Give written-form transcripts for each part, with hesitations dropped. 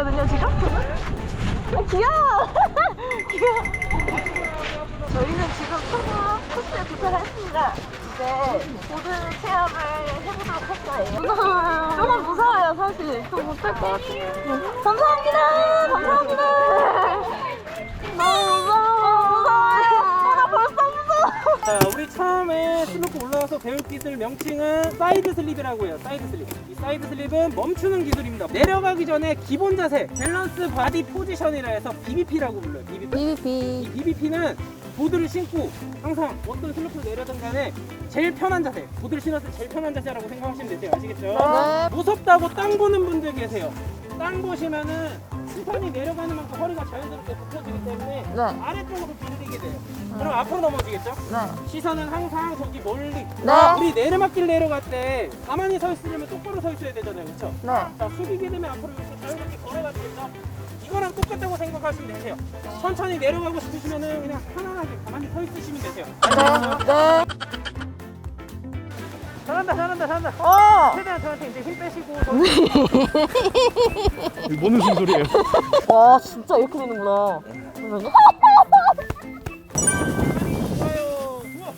있거든요, 지금. 귀여워. 귀여워. 저희는 지금 코스에 도착했습니다. 이제 모든 체험을 해보도록 할 거예요. 무서워요. 조금 무서워요, 사실. 좀 못할 것 같아요. 감사합니다. 감사합니다. 너무 무서워요. 나 벌써 무서워. 자, 우리 처음에 슬로프 올라와서 배울 기술 명칭은 사이드 슬립이라고 해요. 사이드 슬립. 이 사이드 슬립은 멈추는 기술입니다. 내려가기 전에 기본 자세, 밸런스 바디 포지션이라 해서 BBP라고 불러요. BBP. 이 BBP는 보드를 신고 항상 어떤 슬로프를 내려든 간에 제일 편한 자세, 보드를 신었을 때 제일 편한 자세라고 생각하시면 되세요. 아시겠죠? 네. 무섭다고 땅 보는 분들 계세요. 땅 보시면은 시선이 내려가는 만큼 허리가 자연스럽게 굽혀지기 때문에 네. 아래쪽으로 밀리게 돼요. 그럼 앞으로 넘어지겠죠? 네. 시선은 항상 저기 멀리. 네. 우리 내리막길 내려갈 때 가만히 서 있으려면 똑바로 서 있어야 되잖아요. 그렇죠? 네. 자, 숙이게 되면 앞으로 이렇게 자유롭게 걸어가시겠죠? 이거랑 똑같다고 생각하시면 되세요. 천천히 내려가고 싶으시면은 그냥 편안하게 가만히 서 있으시면 되세요. 네. 잘한다, 잘한다, 잘한다. 최대한 저한테 이제 힘 빼시고. 뭔 무슨 소리예요? 와, 진짜 이렇게 되는구나. 잠시만요. 좋아요. 좋아.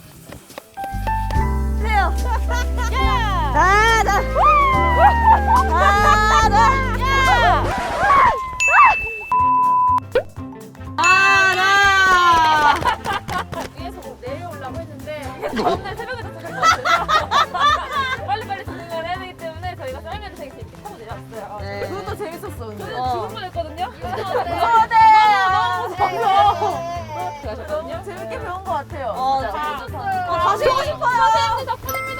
주세요. 가자. 위에서 뭐 내려오려고 했는데 다음날 새벽에 도착했어요. 빨리빨리 진행을 해야 되기 때문에 저희가 썰매를 되게 재밌게 타고 내려왔어요. 네. 그것도 재밌었어. 근데. 저는 죽을 뻔했거든요. 너무 재밌게 배운 것 같아요. 잘 다시 오고 싶어요. 선생님들 덕분입니다.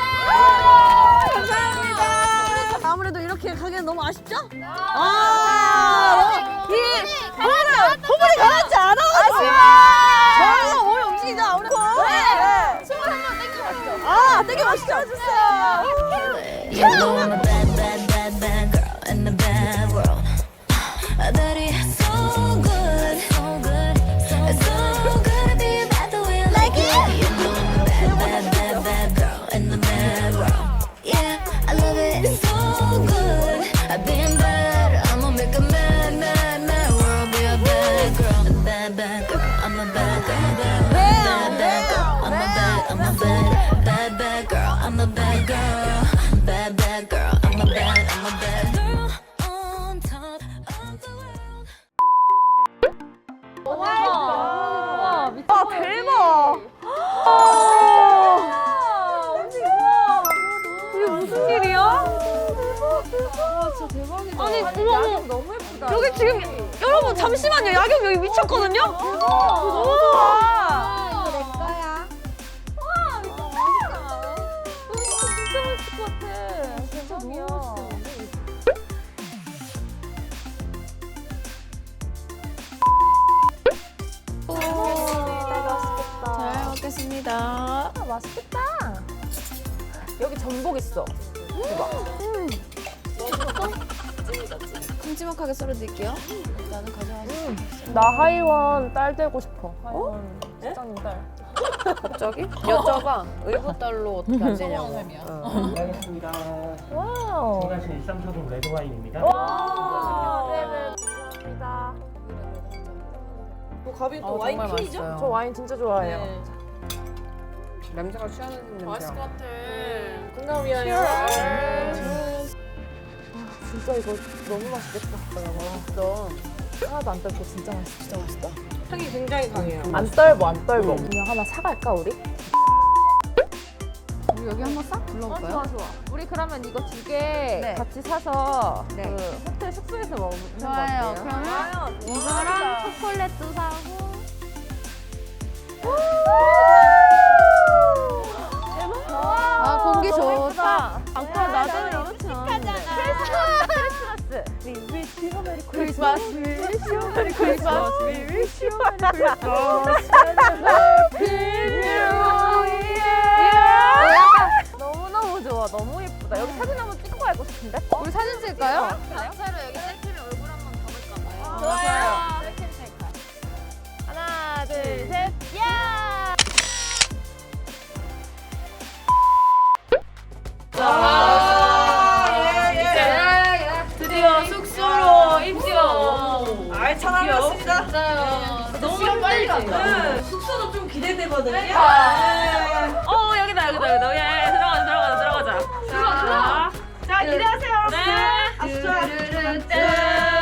감사합니다. 아무래도 이렇게 가기엔 너무 아쉽죠? 부분이 가라앉지 않아. 저희가 몸이 움직이자. 우리 춤을 한번 땡겨봤죠. 되게 멋있죠? 해주세요. You know I'm a bad, bad, bad, bad girl in the bad world. That is so good, so good, so good to be bad the way I like it. You know I'm a bad, bad, bad, bad girl in the bad world. Yeah, I love it, it's so good. I've been bad, I'ma make a mad, mad, mad world. Be a bad girl, a bad, bad girl. I'm a bad girl, bad, bad, bad girl. I'm a bad, I'm a bad, bad, bad girl. I'm a bad girl, bad, bad girl. I'm a bad girl on top of the world. 와, 대박. 이게 무슨 일이야? 와, 진짜 대박이다. 아니, 야경 너무 예쁘다. 여기 지금 여러분 잠시만요. 야경 여기 미쳤거든요. 너무 좋아. 이거 내 거야. 와, 이거 너무 멋있다. 진짜 멋있을 것 같아. 진짜 너무 멋있어. 잘 먹겠습니다. 맛있겠다. 여기 전복 있어. 대박. 큼지막하게 썰어드릴게요. 나는 가져가서. 나 하이원 딸 되고 싶어. 하이원 사장님 딸. 갑자기? 여쭤봐. 의붓달로 어떻게 안 되냐고. 알겠습니다. 와우. 건강신 13차종 레드와인입니다. 와. 네네. 감사합니다. 가빈 또 와인 퀸이죠? 저 와인 진짜 좋아해요. 냄새가 취하는 냄새야. 맛있을 것 같아. 건강 위하여. 진짜 이거 너무 맛있겠다. 너 하나도 안 떨고 진짜 맛있어. 진짜 맛있다. 향이 굉장히 강해요. 안 떨고 안 떨고. 그냥 하나 사갈까 우리? 우리 여기 한번 싹 둘러볼까요? 좋아. 우리 그러면 이거 두 개 같이 사서 네. 그 호텔 숙소에서 먹는 거 좋아요. 어때요? 그러면 이거랑 초콜릿도 사고. 아, 공기 좋다. 아까 낮에는 이렇지 않았는데. 크리스마스. We wish you a Merry Christmas. We wish you a Merry Christmas. We wish you a Merry Christmas. Happy New Year. 너무너무 좋아. 너무 예쁘다. 여기 사진 한번 찍고 가고 싶은데? 우리 사진 찍을까요? 단체로 여기 셀피를 얼굴 한번 가볼까 봐요. 좋아요. 셀피 셀카. 하나, 둘, 셋. 야! 드디어 숙소로 입성. 잘 알았습니다. 맞아요. 너무 시간 빨리 간다. 네. 숙소도 좀 기대되거든요. 여기다. 예, 들어가자. 자, 기대하세요, 여러분. 네. 아시죠?